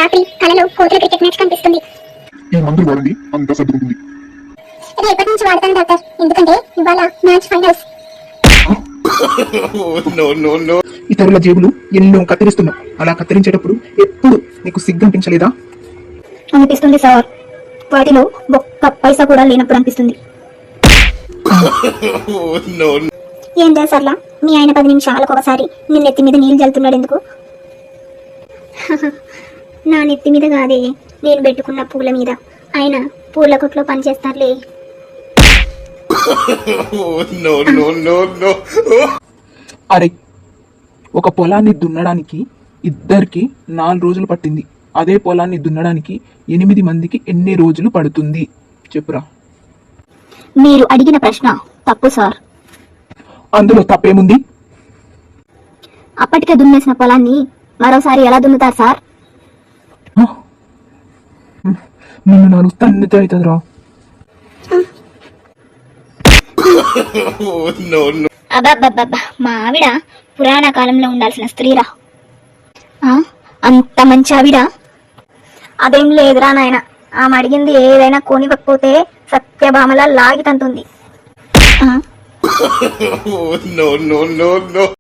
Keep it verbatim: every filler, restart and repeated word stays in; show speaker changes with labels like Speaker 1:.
Speaker 1: రాత్రి కలలో కోతుల క్రికెట్ మ్యాచ్ కనిపిస్తుంది.
Speaker 2: ఈ మందులు వాడండి, అంతా సర్దుకుంటుంది.
Speaker 1: ఇది ఎప్పటి నుంచి వాడతాను డాక్టర్, ఎందుకంటే ఇవాళ మ్యాచ్ ఫైనల్స్.
Speaker 3: ఇతరుల జేబులు ఎన్నో కత్తిరిస్తున్నావు. అలా కత్తిరించేటప్పుడు ఎప్పుడు నీకు సిగ్గు అనిపించలేదా?
Speaker 1: అనిపిస్తుంది సార్, వాటిలో ఒక్క పైసా కూడా లేనప్పుడు అనిపిస్తుంది. ఏం చేసార్లా, మీ ఆయన పది నిమిషాలకు ఒకసారి నీ నెత్తి మీద నీళ్ళు జల్లుతున్నాడు ఎందుకు? నా నెత్తి మీద కాదే, నేను పెట్టుకున్న పూల మీద. ఆయన పూల కొట్లో పనిచేస్తారులే.
Speaker 3: అరే, ఒక పొలాన్ని దున్నడానికి ఇద్దరికి నాలుగు రోజులు పట్టింది. అదే పొలాన్ని దున్నడానికి ఎనిమిది మందికి ఎన్ని రోజులు పడుతుంది చెప్పురా?
Speaker 1: మీరు అడిగిన ప్రశ్న తప్పు సార్.
Speaker 3: అందులో తప్పేముంది?
Speaker 1: అప్పటికే దున్నేసిన పొలాన్ని మరోసారి ఎలా దున్నుతారు సార్?
Speaker 3: నిన్ను నా రుస్తాన్ని అవుతుందిరా.
Speaker 1: అబ్బబ్బబ్బబ్బా, మా ఆవిడ పురాణ కాలంలో ఉండాల్సిన స్త్రీరా. అంత మంచి ఆవిడ? అదేం లేదురా నాయన, ఆమె అడిగింది ఏదైనా కొనివ్వకపోతే సత్యభామలా లాగి తంతుంది.